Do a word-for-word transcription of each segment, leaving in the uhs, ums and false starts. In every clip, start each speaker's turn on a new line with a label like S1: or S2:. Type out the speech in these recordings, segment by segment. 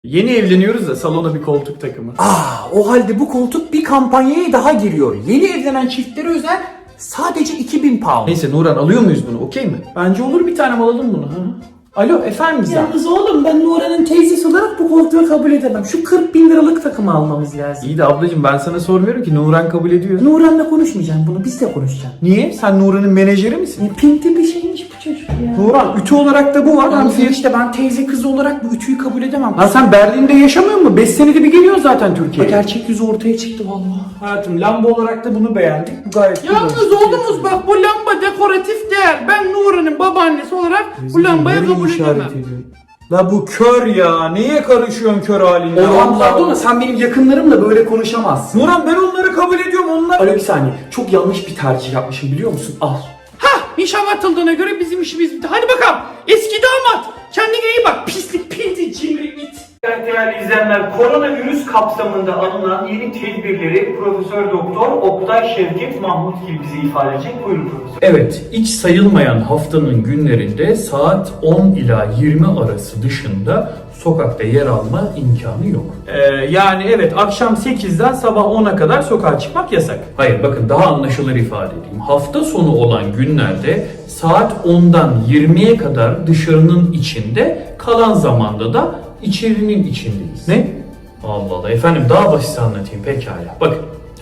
S1: Yeni evleniyoruz da salona bir koltuk takımı.
S2: Aa, o halde bu koltuk bir kampanyaya daha giriyor. Yeni evlenen çiftlere özel sadece iki bin pound.
S1: Neyse Nuran, alıyor muyuz bunu, okey mi? Bence olur, bir tane alalım bunu. Hı? Alo efendim Gizem.
S2: Yalnız oğlum, ben Nuran'ın teyzesi olarak bu koltuğu kabul edemem. Şu kırk bin liralık takımı almamız lazım.
S1: İyi de ablacığım, ben sana sormuyorum ki, Nuran kabul ediyor.
S2: Nuran'la konuşmayacağım bunu, biz de konuşacağız.
S1: Niye? Sen Nuran'ın menajeri misin?
S2: Ne pinti bir şeymiş bu çocuk ya.
S1: Nuran, ütü olarak da bu var.
S2: Yalnız
S1: Hani
S2: işte ben teyze kızı olarak bu ütüyü kabul edemem.
S1: Ha sen Berlin'de yaşamıyor musun? beş senede bir geliyor zaten Türkiye'ye.
S2: Gerçek yüzü ortaya çıktı vallahi.
S1: Hayatım, lamba olarak da bunu beğendik. Bu gayet
S3: Yalnız
S1: güzel.
S3: oğlumuz bak, bu lamba dekoratif değer. Ben Nuran'ın babaannesi olarak bu lambayı
S1: Nereye
S3: kabul
S1: işaret
S3: edemem.
S1: ediyor? La bu kör ya. Neye karışıyorsun kör haline?
S2: Oğlum
S1: Allah
S2: pardon da
S1: Allah.
S2: sen benim yakınlarımla böyle konuşamazsın.
S1: Nuran, ben onları kabul ediyorum. Onlar...
S2: Alo bir saniye, çok yanlış bir tercih yapmışım biliyor musun? Al.
S3: Hah, nişan atıldığına göre bizim işimiz bitti. Hadi bakalım eski damat, kendine iyi bak, pislik pinti cimri it.
S4: Değerli izleyenler, koronavirüs kapsamında alınan yeni tedbirleri Profesör Doktor Oktay Şevket Mahmut gibi bize ifade edecek. Buyurun profesör.
S1: Evet, hiç sayılmayan haftanın günlerinde saat on ila yirmi arası dışında sokakta yer alma imkanı yok. Ee, yani evet, akşam sekizden sabah ona kadar sokağa çıkmak yasak. Hayır, bakın daha anlaşılır ifade edeyim. Hafta sonu olan günlerde saat ondan yirmiye kadar dışarının içinde, kalan zamanda da içerinin içindeyiz. Ne? Allah Allah efendim, daha basit anlatayım pekala. Bakın.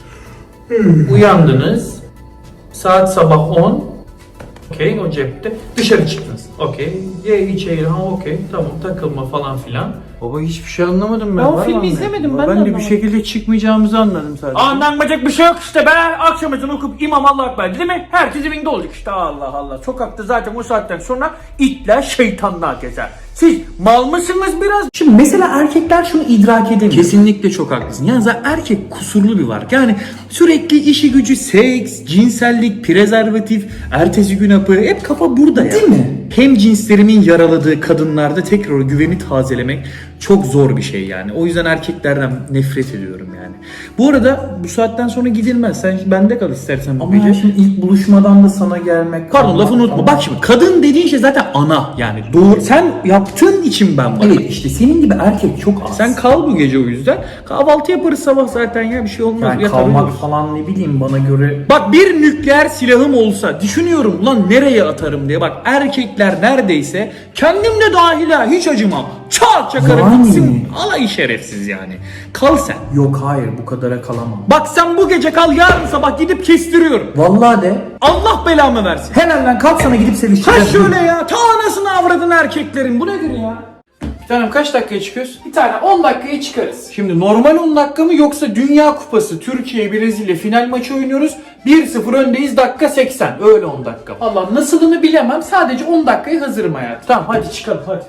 S1: Uyandınız. Saat sabah on. Okey, o cepte. Dışarı çıktınız. Okey. Ye içeri. Ha okey. Tamam, takılma falan filan. Baba hiçbir şey anlamadım ben.
S3: Ben o
S1: Var mı
S3: filmi
S1: anlayan?
S3: izlemedim, ben de
S1: Ben de bir
S3: anlamadım.
S1: şekilde çıkmayacağımızı anladım sadece.
S3: Anlanmayacak bir şey yok işte be. Akşam ezanı okup imam Allah ekber değil mi? Herkes evinde olacak işte. Allah Allah. Sokakta zaten o saatten sonra itler şeytanlar gezer. Siz mal mısınız biraz?
S2: Şimdi mesela erkekler şunu idrak edemiyor.
S1: Kesinlikle çok haklısın. Yani zaten erkek kusurlu bir varlık. Yani sürekli işi gücü, seks, cinsellik, prezervatif, ertesi gün hapı, hep kafa burada ya.
S2: Değil mi?
S1: Hem cinslerimin yaraladığı kadınlarda tekrar o güveni tazelemek çok zor bir şey yani. O yüzden erkeklerden nefret ediyorum yani. Bu arada bu saatten sonra gidilmez. Sen bende kal istersen bu
S2: Ama
S1: gece.
S2: ya şimdi ilk buluşmadan da sana gelmek...
S1: Pardon,
S2: Ama-
S1: lafını unutma.
S2: ama-
S1: Bak şimdi, kadın dediğin şey zaten ana yani. Doğru. Sen yaptığın için ben varım.
S2: Evet işte senin gibi erkek çok az.
S1: Sen kal bu gece o yüzden. Kahvaltı yaparız sabah zaten ya, bir şey olmaz.
S2: yani
S1: Yatar
S2: kalmak
S1: uyuruz.
S2: falan ne bileyim bana göre...
S1: Bak, bir nükleer silahım olsa düşünüyorum lan nereye atarım diye. Bak, erkekler neredeyse, kendim de dahil ha, hiç acımam. Çat çakarım
S2: Yani.
S1: gitsin. Alay şerefsiz yani. Kal sen.
S2: Yok hayır, bu kadara kalamam.
S1: Bak sen bu gece kal, yarın sabah gidip kestiriyorum.
S2: Vallahi de.
S1: Allah belamı versin.
S2: Hemen lan kalk, sana gidip
S1: Ha
S2: sevişeceğim.
S1: şöyle ya, ta anasını avradın erkeklerin, bu nedir ya?
S3: Bir tanem, kaç dakikaya çıkıyoruz? Bir tane on dakikaya çıkarız.
S1: Şimdi normal on dakika mı, yoksa Dünya Kupası Türkiye Brezilya final maçı oynuyoruz. bir sıfır öndeyiz, dakika seksen. Öyle on dakika.
S3: Allah, nasılını bilemem. Sadece on dakikaya hazırım hayatım.
S1: Tamam hadi çıkalım hadi.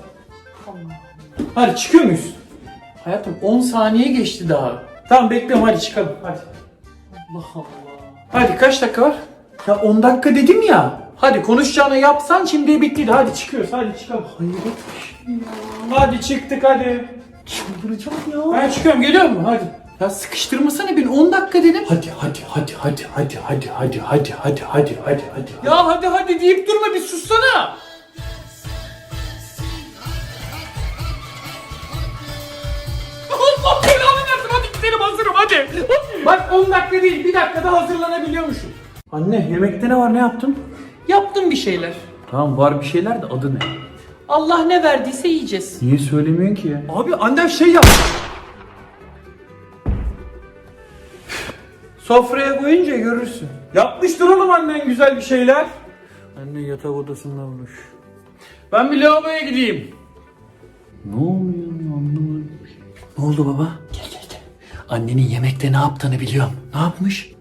S1: Hadi çıkıyor muyuz?
S3: Hayatım on saniye geçti daha.
S1: Tamam bekliyorum, hadi çıkalım hadi.
S3: Allah Allah.
S1: Hadi kaç dakika var?
S2: Ya on dakika dedim ya.
S1: Hadi konuşacağını yapsan şimdi bittiydi. Hadi çıkıyoruz, hadi çıkalım.
S2: Hayret bir şey ya.
S1: Hadi çıktık hadi.
S2: Çıldıracağım ya.
S1: Ben çıkıyorum, geliyor mu? Hadi.
S3: Ya sıkıştırmasana beni, on dakika dedim.
S2: Hadi hadi hadi hadi hadi hadi hadi hadi hadi hadi hadi hadi.
S1: Ya hadi hadi deyip durma, bir sussana.
S3: Allah belanı versin, hadi gidelim, hazırım hadi.
S1: Bak on dakika değil, bir dakikada hazırlanabiliyormuşum. Anne, yemekte ne var, ne yaptın?
S3: Yaptım bir şeyler.
S1: Tamam, var bir şeyler de adı ne?
S3: Allah ne verdiyse yiyeceğiz.
S1: Niye söylemiyorsun ki ya?
S3: Abi annem şey yap.
S1: Sofraya koyunca görürsün. Yapmıştır oğlum annen güzel bir şeyler. Anne yatak odasında olmuş.
S3: Ben bir lavaboya gideyim.
S1: Ne oluyor, anlamadım.
S2: Ne oldu baba?
S1: Gel gel gel. Annenin yemekte ne yaptığını biliyorum. Ne yapmış?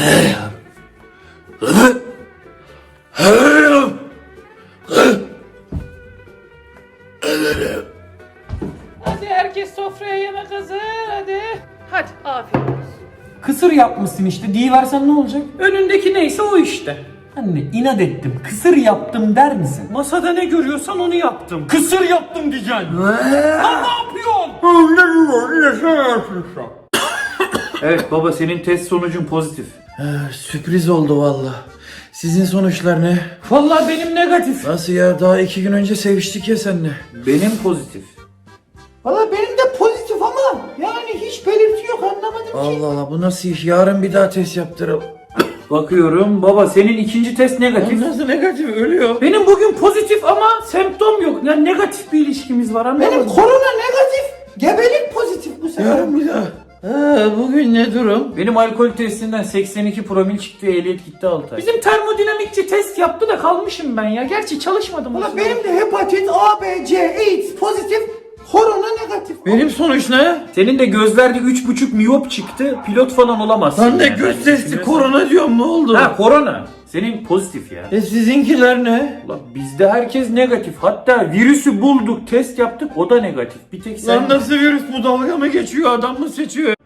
S3: Hadi herkes sofraya, yemek hazır hadi. Hadi afiyet olsun.
S1: Kısır yapmışsın işte. Diyiversen ne olacak?
S3: Önündeki neyse o işte.
S1: Anne inat ettim. Kısır yaptım der misin?
S3: Masada ne görüyorsan onu yaptım.
S1: Kısır yaptım diyeceksin.
S3: Lan ne yapıyorsun?
S1: Evet baba, senin test sonucun pozitif.
S5: Sürpriz oldu valla. Sizin sonuçlar ne?
S3: Vallahi benim negatif.
S5: Nasıl ya? Daha iki gün önce seviştik ya seninle.
S1: Benim pozitif.
S2: Valla benim de pozitif ama yani hiç belirti yok, anlamadım ki.
S5: Allah Allah, bu nasıl iş? Yarın bir daha test yaptıralım.
S3: Bakıyorum baba, senin ikinci test negatif.
S5: Nasıl negatif? Ölüyor.
S3: Benim bugün pozitif ama semptom yok. Yani negatif bir ilişkimiz var, anladın
S2: Benim
S3: mı?
S2: korona negatif, gebelik pozitif bu sefer.
S5: Yarın bir daha. Ha, bugün ne durum?
S3: Benim alkol testinden seksen iki promil çıktı, ehliyet gitti altı ay. Bizim termodinamikçi test yaptı da kalmışım ben ya. Gerçi çalışmadım.
S2: Valla benim de hepatit A, B, C, AIDS pozitif, korona negatif.
S5: Benim sonuç ne?
S3: Senin de gözlerde üç buçuk miyop çıktı, pilot falan olamazsın.
S5: Lan ne
S3: yani.
S5: göz testi, korona diyorum, ne oldu?
S3: Ha, korona. Senin pozitif ya.
S5: E sizinkiler ne?
S3: Ulan bizde herkes negatif. Hatta virüsü bulduk, test yaptık, o da negatif. Bir tek sen...
S5: Lan nasıl virüs bu, dalga mı geçiyor, adam mı seçiyor?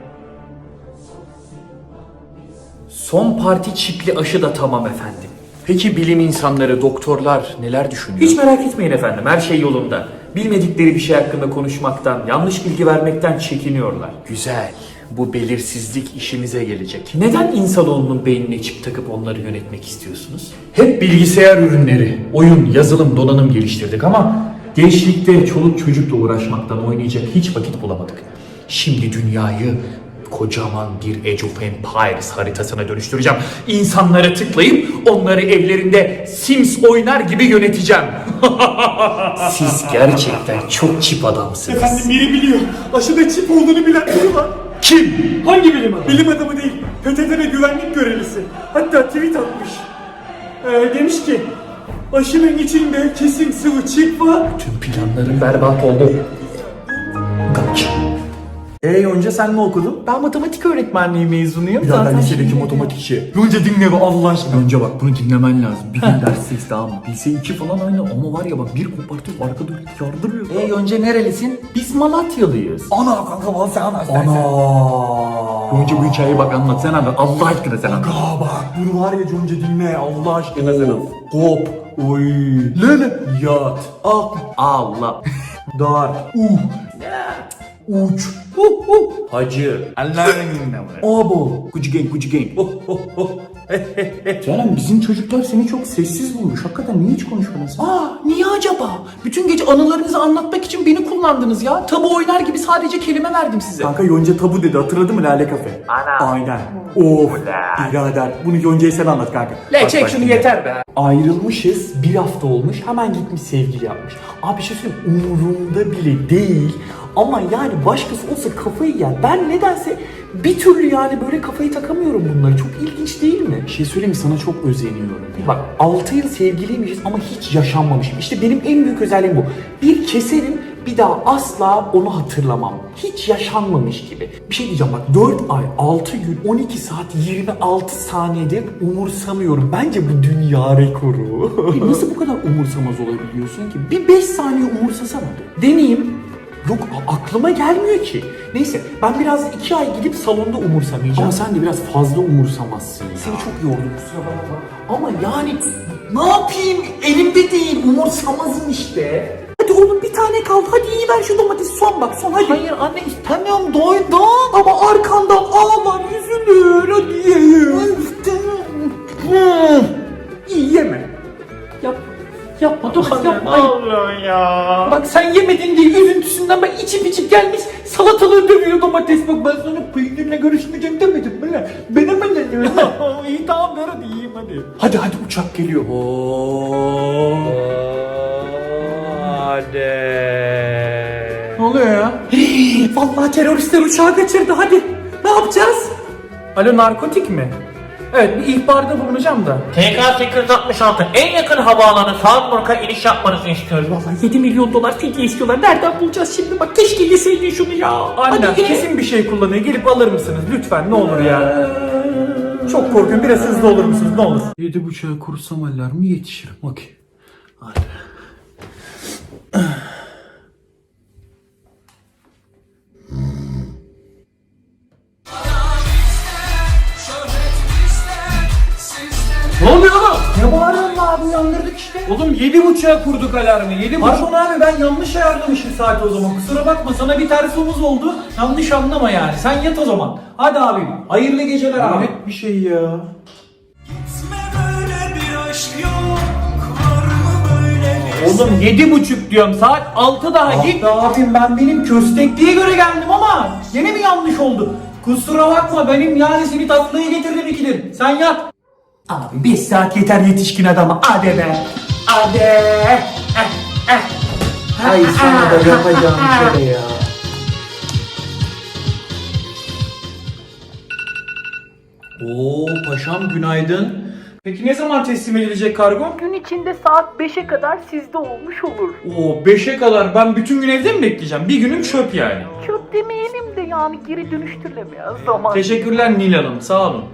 S1: Son parti çipli aşı da tamam efendim. Peki bilim insanları, doktorlar neler düşünüyor?
S4: Hiç merak etmeyin efendim, her şey yolunda. Bilmedikleri bir şey hakkında konuşmaktan, yanlış bilgi vermekten çekiniyorlar.
S1: Güzel. Bu belirsizlik işimize gelecek. Neden insanoğlunun beynine çip takıp onları yönetmek istiyorsunuz? Hep bilgisayar ürünleri, oyun, yazılım, donanım geliştirdik ama gençlikte çoluk çocukla uğraşmaktan oynayacak hiç vakit bulamadık. Şimdi dünyayı kocaman bir Age of Empires haritasına dönüştüreceğim. İnsanları tıklayıp onları evlerinde Sims oynar gibi yöneteceğim. Siz gerçekten çok çip adamsınız.
S6: Efendim biri biliyor. Aşıda çip olduğunu bilen biri var.
S1: Kim?
S6: Hangi bilim adamı? Bilim adamı değil. P T T ve güvenlik görevlisi. Hatta tweet atmış. Ee, demiş ki aşının içinde kesin sıvı çip var.
S1: Tüm planlarım berbat oldu. Kaç.
S6: Ee Yonca sen ne okudun?
S1: Ben matematik öğretmenliği mezunuyum.
S6: Ya ben lisedeki matematikçi. Yonca dinle be Allah aşkına.
S1: Önce bak bunu dinlemen lazım. Bir gün dersteyiz tamam mı? Lise iki falan aynı ama var ya bak bir kopartıyor arkada yardırıyor.
S2: E önce nerelisin?
S1: Biz Malatyalıyız.
S6: Ana kanka bana sen anlat.
S1: Ana. Önce bu hikayeyi bak anlat sen anlat. Allah aşkına sen anlat.
S6: Aa bak bunu var ya Yonca dinle Allah aşkına sen anlat. Hop. Oy. Lele. Yat. Ak.
S1: Allah.
S6: Dar. Uh. Uç.
S1: Uh, uh. Hacı.
S6: Allah'ın dinle buraya.
S1: Abo. Gucci gang, Gucci gang. Oh, oh, oh. Canım bizim çocuklar seni çok sessiz bulmuş. Hakikaten niye hiç konuşmadın sen?
S2: Aa niye acaba? Bütün gece anılarınızı anlatmak için beni kullandınız ya. Tabu oynar gibi sadece kelime verdim size.
S6: Kanka Yonca tabu dedi hatırladın mı Lale Kafe? Ana. Aynen. Of. Birader bunu Yonca'ya sen anlat kanka.
S2: Le
S6: Bak,
S2: çek
S6: bak
S2: şunu
S6: şimdi.
S2: yeter be.
S1: Ayrılmışız, bir hafta olmuş, hemen gitmiş sevgili yapmış. Abi bir şey söyleyeyim, umurumda bile değil. Ama yani başkası olsa kafayı yer. Ben nedense bir türlü yani böyle kafayı takamıyorum bunları. Çok ilginç değil mi? Bir şey söyleyeyim mi? Sana çok özeniyorum. Bak altı yıl sevgiliymişiz ama hiç yaşanmamışım. İşte benim en büyük özelliğim bu. Bir keserim, bir daha asla onu hatırlamam. Hiç yaşanmamış gibi. Bir şey diyeceğim bak dört ay, altı gün, on iki saat, yirmi altı saniyede umursamıyorum. Bence bu dünya rekoru. E nasıl bu kadar umursamaz olabiliyorsun ki? Bir beş saniye umursasana. Deneyeyim. Yok a- aklıma gelmiyor ki. Neyse ben biraz iki ay gidip salonda umursamayacağım. Ama sen de biraz fazla umursamazsın ya. Seni çok yordum kusura bakma. Ama yani ne yapayım elimde değil umursamazım işte.
S2: Hadi oğlum bir tane kaldı. Hadi iyi ver şu domatesi, son bak son hadi. Hayır anne istemiyorum, doydum. Ama arkandan ağlar üzülür hadi ye.
S3: İyi yeme. Yap. Yapma dur yapma. Allah ya. Bak sen yemedin diye üzüntüsünden ben içip içip gelmiş salatalığı dövüyor domates. Bak ben sana peynirle görüşmeyeceğim demedim mi lan? Ben hemen dedim. İyi tamam ver hadi yiyeyim hadi.
S1: Hadi hadi uçak geliyor.
S3: Hadi.
S2: Ne oluyor ya?
S3: Vallahi teröristler uçağı kaçırdı hadi. Ne yapacağız? Alo narkotik mi? Evet bir ihbarda bulunacağım da.
S7: T K sekiz yüz altmış altı en yakın havaalanı Salzburg'a iniş yapmanızı istiyoruz.
S3: Vallahi yedi milyon dolar fidye istiyorlar. Nereden bulacağız şimdi? Bak keşke yeseydin şunu ya. Anne
S2: Hadi ye.
S3: kesin bir şey kullanıyor. Gelip alır mısınız? Lütfen ne olur ya. Çok korkuyorum. Biraz hızlı olur musunuz? Ne olur.
S1: Yedi buçuğa kursam alarmı yetişirim. Okey. Hadi.
S3: Ne oluyor oğlum?
S2: Ne bağırıyorsun abi, uyandırdık işte.
S3: Oğlum yedi buçuğa kurduk alarmı. Yedi buçuk.
S2: Pardon abi ben yanlış ayarlamışım saat o zaman. Kusura bakma, sana bir ters omuz oldu. Yanlış anlama yani. Sen yat o zaman. Hadi abim. Hayırlı geceler abi.
S3: Hayret bir şey ya.
S6: Böyle bir aşk yok. Var mı böyle bir
S1: Oğlum yedi buçuk diyorum, saat altı daha git.
S3: Abim ben benim köstekliğe göre geldim ama yine mi yanlış oldu? Kusura bakma benim yani seni tatlıya getirdim ikidir. Sen yat. Abi beş saat yeter yetişkin adama. Hadi be. Hadi. Eh, eh.
S2: Ay sana da yapacağım şöyle ya.
S1: Oo paşam günaydın.
S3: Peki ne zaman teslim edilecek kargo?
S8: Gün içinde saat beşe kadar sizde olmuş olur.
S3: Oo beşe kadar ben bütün gün evde mi bekleyeceğim? Bir günüm çöp yani.
S8: Çöp demeyelim de yani geri dönüştürülemeyen zaman.
S3: Teşekkürler Nil Hanım sağ olun.